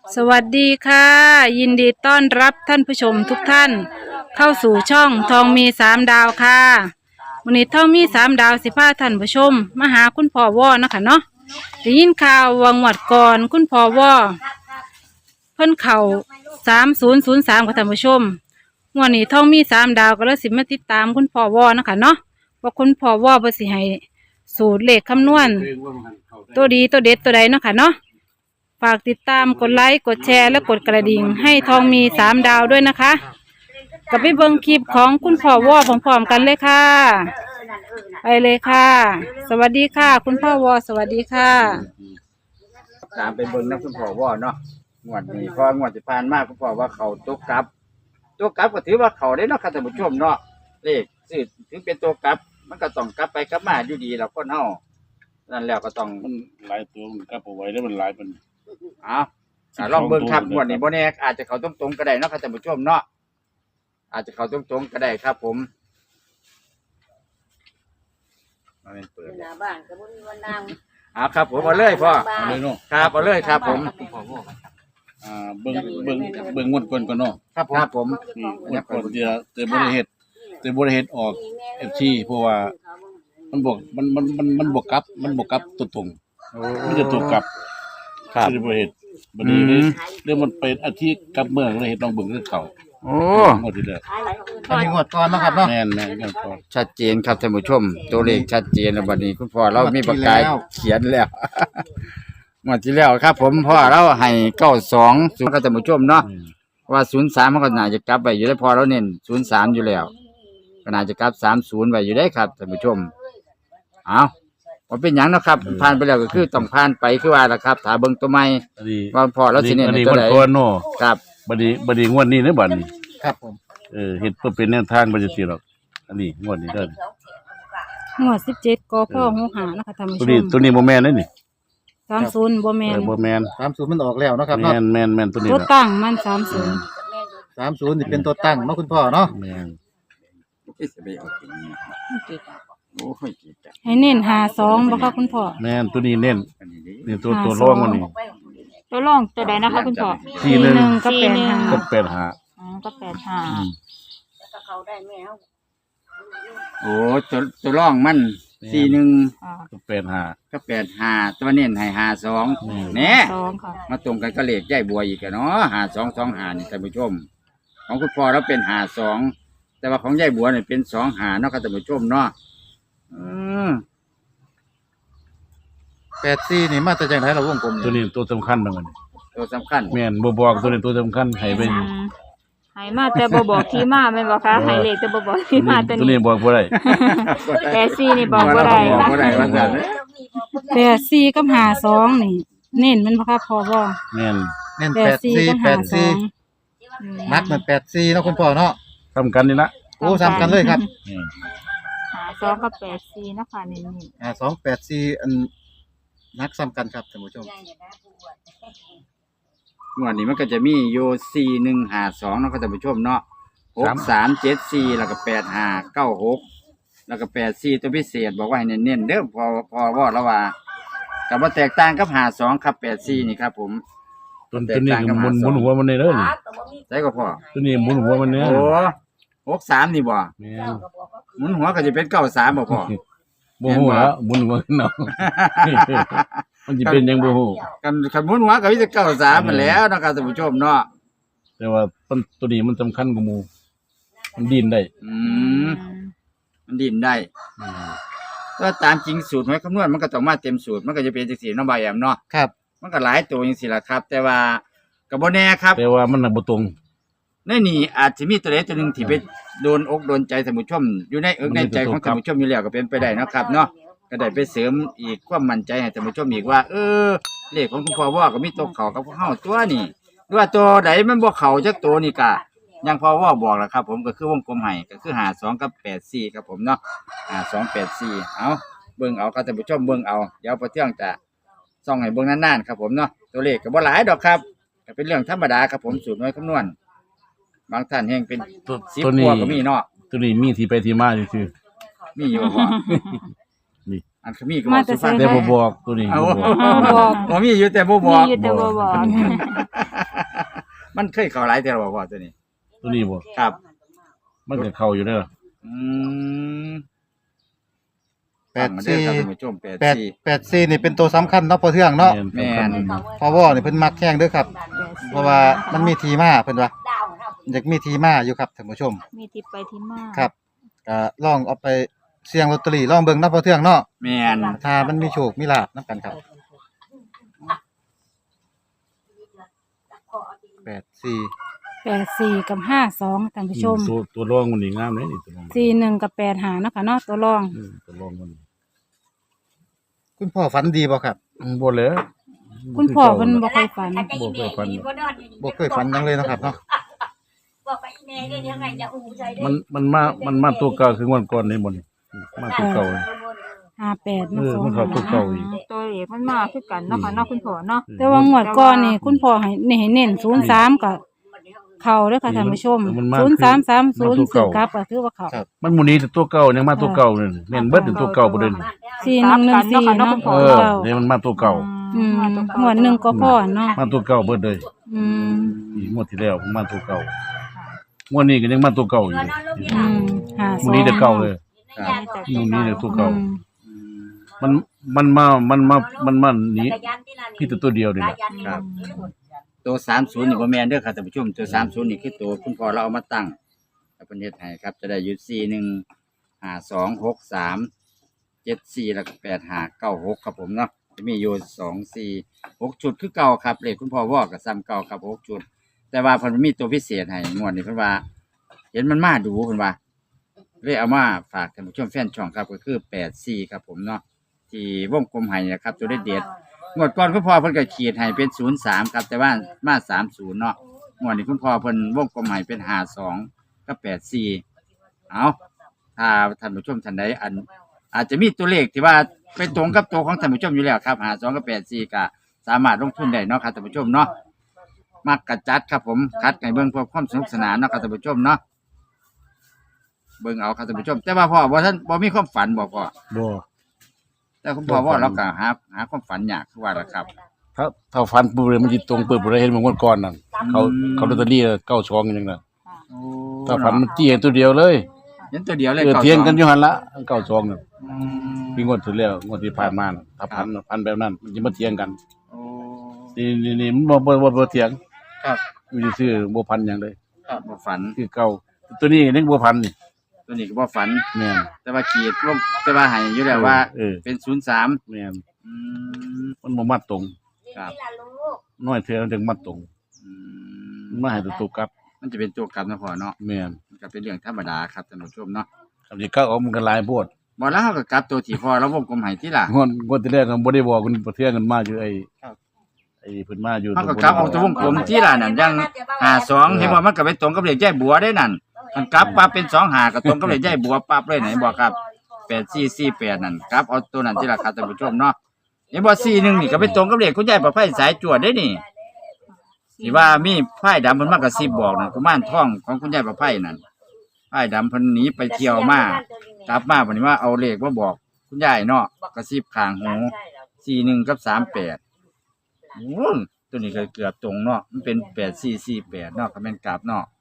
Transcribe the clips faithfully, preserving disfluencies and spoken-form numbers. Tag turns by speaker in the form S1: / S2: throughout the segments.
S1: สวัสดีค่ะยินดีต้อนรับท่านผู้ชมทุกท่านเข้าสู่ช่องทองมีสามดาวค่ะวันนี้ทองมีสามดาวสิพาท่านผู้ชมมาหาคุณพ่อว่อนะคะเนาะได้ยินข่าววังหวัดก่อนคุณพ่อว่อเพิ่นเข่าสามศูนย์ศูนย์สามกับท่านผู้ชมวันนี้ทองมีสามดาวก็เลยสิมาติดตามคุณพ่อว่อนะคะเนาะว่าคุณพ่อว่อเพิ่นสิให้สูตรเลขคำนวณตัวดีตัวเด็ดตัวใดเนาะค่ะเนาะฝากติดตามกดไลค์กดแชร์และกดกระดิ่งให้ทองมีสามดาวด้วยนะคะกับไปเบิ่งคลิปของคุณพ่อวอพร้อมๆกันเลยค่ะไปเลยค่ะสวัสดีค่ะคุณพ่อวอสวัสดีค่ะ
S2: ตามไปเบิ่งนะคุณพ่อว่าเนาะงวดนี้เพองวดที่ผ่านมาคุณพ่อว่าเขาตัวกลับตัวกลับก็ถือว่าเขาได้เนาะค่ะท่านผู้ชมเนาะเลขซื้อถึงเป็นตัวกลับมันก็ต้องกลับไปกลับมาอยู่ดีแล้วคนเฮานั่นแล้วก็ต้อง
S3: มันหลายตัวมันกลับเอาไว้แล้วมันหลายมัน
S2: เอาอ่าลองเบิ่งครับงวดนี้บ่แน่อาจจะเข้าตรงๆก็ได้เนาะค่ะท่านผู้ชมเนาะอาจจะเข้าตรงๆก็ได้ครับผมมาเป็นเปิดหน้าบ้านก็บ่มีวันนั่งอ่าครับผมเอาเลยพ่อ
S3: เอาเลยเนาะ
S2: ครับเอาเลยครับผม
S3: อ่าเบิ่งเบิ่งเบิ่งงวดก่อนก่อนเนาะ
S2: ครับผมครับผม
S3: นี่งวดก่อนจะจะบ่ได้เฮ็ดจะบ่ได้เฮ็ดออก เอฟ ซี เพราะว่ามันบ่มันมันมันมันบ่กลับมันบ่กลับตัวตรงมันจะตัวกลับ
S2: ครับ
S3: จะบ่เฮ็ดบัดนี้เลยเรื่องมันเป็นอาทิตย์กลับเมืองเลยเฮ็ดลองเบิ่งคือเขา
S2: โอ้
S3: งวดที่แล้ว
S2: อันนี้งวดก่อนนะครับเนาะ
S3: แม่นแม่นงวดก่อน
S2: ชัดเจนครับท่านผู้ชมตัวเลขชัดเจนแล้วบัดนี้คุณพ่อเรามีปากกาเขียนแล้วงวดที่แล้วครับผมพ่อเราให้เก้าสองศูนย์ครับท่านผู้ชมเนาะว่าศูนย์สามมันก็น่าจะกลับไปอยู่ได้พอเราเน้นศูนย์สามอยู่แล้วก็น่าจะกลับสามศูนย์ไว้อยู่ได้ครับท่านผู้ชมเอาว่าเป็นหยังนะครับผ่านไปแล้วก็คือต้องผ่านไปคือว่าล่ะครับถ้าเบิ่งตัวใหม่ว่าพอเราสิเน้นตัวใดครับ
S3: บัดนี้บัดนี้งวดนี้เด้อบัดนี้
S2: ครับผม
S3: เออเฮ็ดเพื่อเป็นแนวทางบ่จังซี่หรอกอันนี้งวดนี้เด้อง
S1: วดสิบเจ็ดกพหกห้านะคะท่านผู้ชม
S3: ตัวนี้ตัวนี้บ่แม่นเด้อนี่
S1: สามศูนย์บ่แม่น
S3: บ่แม่น
S2: สามศูนย์มันออกแล้วเนาะครับเนาะ
S3: แม่นแม่นแม่นตัวนี้
S1: ตัวตั้งมันสามศูนย์
S2: สามศูนย์นี่เป็นตัวตั้งเนาะคุณพ่อเนาะ
S3: แม่น
S1: ให้เน้นหาสองบ่คะคุณพ่อ
S3: แม่นตัวนี้เน้นนี่ตัวตัวรองมันนี่
S1: ตัวรองตัวใดนะคะคุณพ่อ
S3: สี่หนึ่ง
S1: กับแปดห้า
S3: กับแปดห้า
S1: อ๋อกับแปดห้า
S2: โอ้ตัวตัวรองมันสี่หนึ่ง
S3: กับแปดห้า
S2: กับแปดห้าตัวเน้นให้ห้าสองเนี่ยมาตรงกันก็เลขใหญ่บัวอีกเนาะห้าสองสองห้านี่ท่านผู้ชมของคุณพ่อเราเป็นห้าสองแต่ว่าของใหญ่บัวเนี่ยเป็นสองห้าเนาะครับท่านผู้ชมเนาะอืมแปดสี่นี่มาแต่จังไหนเราวงกลม
S3: ตัวนี้ตัวสำคัญมัน
S2: ตัวสำคัญ
S3: แม่นบ่บอกตัวนี้ตัวสำคัญให้ไป
S1: ให้มาแต่บ่บอกที่มาแม่นบ่คะให้เลขแต่บ่บอกที่มาตัวนี้
S3: ตัวนี้บอกบ่ได้
S1: แปดสี่นี่บอกบ่ได้
S2: บอกบ่ได้ว่าซั่น
S1: แปดสี่กับห้าสองนี่เน้นมันบ่คะพอบ่
S3: แม่น
S2: เน้นแปดสี่แปดสี่นักเหมือนแปดสี่เนาะคุณพ่อเนาะ
S3: สำคัญนี่ละ
S2: โอ้สำคัญเลยครับ
S1: ห้าสองกับแปดสี่นะคะนี่
S2: อ่าสองแปดสี่อันนักสำคัญครับท่านผู้ชมงวดนี้มันก็จะมีโยสี่หนึ่งห้าสองเนาะท่านผู้ชมเนาะหกสามเจ็ดสี่แล้วก็แปดห้าเก้าหกแล้วก็แปดสี่ตัวพิเศษบอกว่าให้เน้นๆเด้อพอพอว่าแล้วว่าแต่ว่าแตกต่างกับห้าสองครับแปดสี่นี่ครับผม
S3: ตัวนี้หมุนหมุนหัวมันนี่เด้อ
S2: ใช่ก็พอ
S3: ตัวนี้หมุนหัวมันเนี่ย
S2: โอ้หกสามนี่บ่หมุนหัวก็จะเป็นเก้าสามบ่พอ
S3: บ่ฮู้แล้วหมุนหัวเนาะมันสิเป็นยังบ่ฮู้
S2: กันคันหมุนหัวก็มีแต่เก้าสามมันแล้วเนาะครับท่านผู้ชมเนาะ
S3: แต่ว่าต้นตัวนี้มันสำคัญกว่าหมู่มันดิ้นได้
S2: อืมมันดิ้นได้ก็ตามจริงสูตรหวยคำนวณมันก็ต้องมาเต็มสูตรมันก็จะเป็นจังซี่เนาะบ่ายแอมเนาะครับมันก็หลายตัวจังซี่ล่ะครับแต่ว่าก็บ่แน่ครับ
S3: แต่ว่ามันบ่ตรง
S2: ในนี่อาจจะมีตัวใดตัวหนึ่งที่ไปโดนอกโดนใจท่านผู้ชมอยู่ในเอิกในใจของท่านผู้ชมอยู่แล้วก็เป็นไปได้นะครับเนาะก็ได้ไปเสริมอีกความมั่นใจให้ท่านผู้ชมอีกว่าเออเลขของคุณพ่อว่าก็มีตัวเข่ากับพวกเฮาตัวนี่ด้วยตัวใดมันบ่เข่าจักตัวนี่กะยังพ่อว่าบอกแล้วครับผมก็คือวงกลมให้ก็คือห้าสองกับแปดสี่ครับผมเนาะห้าสองแปดสี่เอาเบิ่งเอาครับท่านผู้ชมเบิ่งเอาเดี๋ยวพอเที่ยงจะส่องให้เบิ่งนานๆครับผมเนาะตัวเลขก็บ่หลายดอกครับก็เป็นเรื่องธรรมดาครับผมสูตรหน่วยคำนวณบางท่านแห่งเป็นสิบกว่าก็มีเนาะ
S3: ตัวนี้มีที่ไปที่มาอยู่คือ
S2: มีอยู่บ่นี่อันเขามีก็บ่สุภาพ
S3: แต่บ่บอกตัวนี้
S1: บ่บอก
S2: บ่มีอยู่แต่บ่บอก
S1: มีอยู่แต่บ่บอก
S2: มันเคยเข้าหลายแต่เราบอกว่าตัวนี้
S3: ตัวนี้บ่
S2: ครับ
S3: มันก็เข้าอยู่เด้อ
S2: อืม
S4: แปด
S2: ฟังมาเด้อ
S4: สี่
S2: ครับท่านผู้ชมแปด
S4: แปด
S2: สี่
S4: แปดสี่นี่เป็นตัวสำคัญเนาะพอเทื่องเนาะ
S3: แม่น
S2: แม่น
S4: พอวอนี่เพิ่นมักแข้งเด้อครับ เพราะว่ามันมีทีมาเพิ่นว่าอยากมีทีมาอยู่ครับท่านผู้ชม
S1: มีที่ไปที่มา
S4: ครับก็ลองเอาไปเสี่ยงลอตเตอรี่ลองเบิ่งเนาะพอเทื่องเนาะ
S2: แม่น
S4: ถ้ามันมีโชคมีลาภนํกันครับแปดสี่
S1: แปดสี่กับห้าสองท่านผู้ชม
S3: ตัวตัวรองมันนี่งามเลยนี่ตัวรอง
S1: สี่หนึ่งกับแปดหาเนาะค่ะเนาะตัวรอง
S3: อืมตัวรองมัน
S4: คุณพ่อฝันดีบ่ครับ
S3: อืมบ่เลย
S1: คุณพ่อเพิ่นบ่ค่อยฝัน
S3: บ่เคยฝัน
S4: บ่เคยฝันหยังเลยเนาะครับเนาะ
S5: บอกไปแม่ได้ยังไงจะอู้ใจได้
S3: มันมันมามันมาตัวเก่าคือวันก่อนนี่บ่นี่มาตัวเก่า
S1: ห้าแปด
S3: เออมันเข้าตัวเก่าอีก
S6: ตัวเลขมันมาคือกันเนาะค่ะเนาะคุณพ่อเนาะ
S1: แต่ว่างวดก่อนนี่คุณพ่อให้นี่ให้เน้นศูนย์สามกับเข้าเด้อค่ะท่านผู้ชมศูนย์สามสามศูนย์สื่อกลับก็ถือว่าเข้า
S3: มันหมู่นี้แต่ตัวเก่ายังมาตัวเก่านี่เน้นเบิดถึงตัวเก่าบ่เด้นี่
S1: สี่หนึ่งหนึ่งสี่เนาะ
S3: เออนี่มันมาตัวเก่า
S1: อืมงวดหนึ่งก็พอเนาะ
S3: มาตัวเก่าเบิดเลย
S1: อืม
S3: อีกงวดที่แล้วมันมาตัวเก่างวดนี้ก็ยังมาตัวเก่าอยู่เลย
S1: อืมห้า
S3: ห
S1: ส
S3: มู่
S1: อง
S3: นี้แต่เก่าเลย
S2: ครับ
S3: หมู่นี้แต่ตัวเก่า
S1: อืม
S3: มันมันมา มันมา มันมาหนีพี่ตัวตัวเดียวนี่แหละ
S2: ครับ ตัวสามศูนย์นี่บ่แม่นเด้อครับท่านผู้ชมตัวสามศูนย์นี่คือตัวคุณพ่อเราเอามาตั้งแล้วเพิ่นเฮ็ดให้ครับจะได้อยู่สี่หนึ่งห้าสองหกสามเจ็ดสี่แล้วก็แปดห้าเก้าหกครับผมเนาะจะมีอยู่สองสี่หกชุดคือเก่าครับเลขคุณพ่อวอกับซ้ำเก่าครับหกชุด แต่ว่าเพิ่นมีตัวพิเศษให้งวดนี้เพิ่นว่า เห็นมันมาดูเพิ่นว่าเลยเอามาฝากท่านผู้ชมแฟนช่องครับก็คือแปดสี่ครับผมเนาะที่วงกลมให้นะครับตัวเด็ดๆงวดก่อนคุณพ่อเพิ่นก็ขีดให้เป็นศูนย์สามครับแต่ว่ามาสามศูนย์เนาะงวดนี้คุณพ่อเพิ่นวงกลมให้เป็นห้าสองกับแปดสี่เอาถ้าท่านผู้ชมท่านใดอัน อาจจะมีตัวเลขที่ว่าไปตรงกับตัวของท่านผู้ชมอยู่แล้วครับห้าสองกับแปดสี่ก็สามารถลงทุนได้เนาะครับท่านผู้ชมเนาะมักกระจัดครับผมคัดให้เบิ่งเพื่อความสนุกสนานเนาะครับท่านผู้ชมเนาะเบิ่งเอาครับท่านผู้ชม แต่ว่าพ่อบ่ท่านบ่มีความฝันบ่พ่อ
S3: บ่
S2: แต่คุณพ่อว่าเราก็หาหาความฝันยากคือว่าล่ะครับ
S3: ถ้าถ้าฟันปุ๊บเลยมันสิตรงปุ๊บเลยเห็นมันงวดก่อนนั่นเขาเขาลอตเตอรี่เก้าสองอย่างนั้น
S2: โอ้
S3: ถ้าฟันมันจี้ตัวเดียวเลย
S2: เห็นตัวเดียวเลย
S3: เออ
S2: ก้า
S3: เถียงกันอ
S2: ส
S3: ยู่หั่นละเก้าสองน่ะ
S2: อืม
S3: พี่งวดที่แล้วงวดที่ผ่านมาน่ะถ้าพันพันแบบนั้นมันจะมาเถียงกัน
S2: โอ้
S3: นี่นี่นี่มันบ่บ่บ่บ่เถียง
S2: ครับ
S3: อยู่ซื่อๆบ่พันหยังเลย
S2: ครับบ่ฝัน
S3: คือเก่าตัวนี้ยังบ่พันนี่
S2: ตัวนี้ก็บ่ฝัน
S3: แม่น
S2: แต่ว่าขีดลงแต่ว่าให้อยู่แล้วว่า
S3: เออ
S2: เป็นศูนย์สาม
S3: แม่น
S2: อืม
S3: มันบ่มาตรง
S2: ครับ
S3: น้อยเทื่อมันถึงมาตรง
S2: อืม
S3: มันมาให้ตัวตัวกลับ
S2: มันจะเป็นตัวกลับนะพ่อเนาะ
S3: แม่น
S2: มันก็เป็นเรื่องธรรมดาครับท่านผู้ชมเนาะ
S3: คำที่เก้าออกมันก็หลายโพด
S2: บ่แล้วเราก็กลับตัวที่พ่อเราวงกลมให้ที่ล่ะ
S3: งวดงวดที่แรกก็บ่ได้บอกคุณประเทืองกันมาอยู่ไอ้
S2: ครับ
S3: ไอ้เพิ่นมาอยู่
S2: เขาก็กลับเอาตัววงกลมที่ล่ะนั่นยังห้าสองเห็นว่ามันก็ไปตรงกับเลขยายบัวได้นั่นมันกลับปั๊บเป็นสองห้าก็ตรงกับเลขยายบัวปั๊บเลยไหนบอกครับแปดสี่สี่แปดนั่นกลับเอาตัวนั้นที่ล่ะครับท่านผู้ชมเนาะเห็นบ่สี่หนึ่งนี่ก็ไปตรงกับเลขคุณยายประไพสายจวดได้นี่ที่ว่ามีไพ่ดำเพิ่นมากระซิบบอกนั่นกุมารทองของคุณยายประไพนั่นไพ่ดำเพิ่นหนีไปเที่ยวมากลับมาบัดนี้ว่าเอาเลขมาบอกคุณยายเนาะกระซิบข้างหูสี่หนึ่งกับสามแปด โอ้ยตัวนี้ก็เกือบตรงเนาะมันเป็นแปดสี่สี่แปดเนาะก็เป็นกราบเนาะ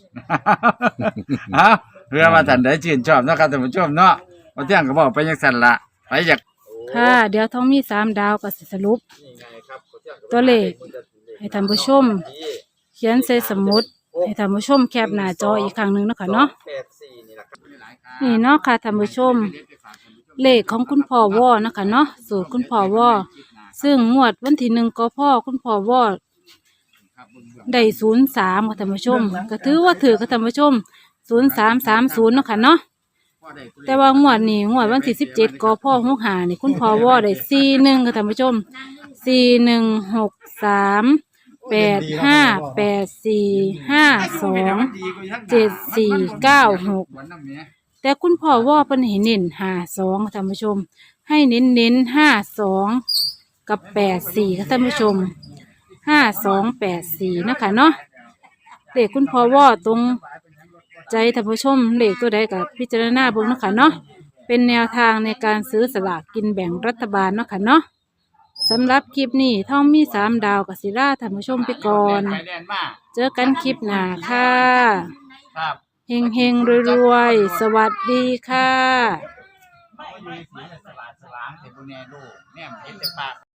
S2: เอาเพื่อมาท่านได้ชื่นชอบเนาะครับท่านผู้ชมเนาะมาเที่ยงก็บอกไปยังสั่นละไปอยาก
S1: ค่ะ เดี๋ยวท้องมีสามดาวก็สิสรุป ตัวเลขให้ท่านผู้ชม เขียนใส่สมุดให้ท่านผู้ชมแคปหน้าจออีกครั้งหนึ่งเนาะคะเนาะนี่เนาะค่ะท่านผู้ชม เลขของคุณพ่อวอนะคะเนาะสูตรคุณพ่อวอซึ่งงวดวันที่หนึ่งก็พ่อคุณพ่อวอได้ศูนย์สามค่ะท่านผู้ชม ก็ถือว่าถือค่ะท่านผู้ชมศูนย์สามสามศูนย์เนาะค่ะเนาะแต่ว่างวดนี้งวดวันที่สิบเจ็ดก็พ่อหกหานี่คุณพ่อวอได้สี่หนึ่งค่ะท่านผู้ชมสี่หนึ่งหกสามแปดห้าแปดสี่ห้าสองเจ็ดสี่เก้าหกแต่คุณพ่อว่าเป็นเห็นเน้นห้าสองท่านผู้ชม ให้เน้นเน้นห้าสองกับแปดสี่ค่ะท่านผู้ชมห้าสองแปดสี่นะคะเนาะเลขคุณพ่อว่าตรงใจท่านผู้ชมเลขตัวใดกับพิจารณาเบิ่งเนาะค่ะเนาะเป็นแนวทางในการซื้อสลากกินแบ่งรัฐบาลเนาะค่ะเนาะสำหรับคลิปนี้ท่องมีสามดาวกับศิลาท่านผู้ชมไปก่อน
S2: ไปแดนมา
S1: เจอกันคลิปหน้าค่ะ
S2: ครับ
S1: เฮงเฮงรวยๆ สวัสดีค่ะ
S2: ก็อยู่ในสีสว่างสว่างเห็นพวกแน่ลูกแน่เห็นแต่ปาก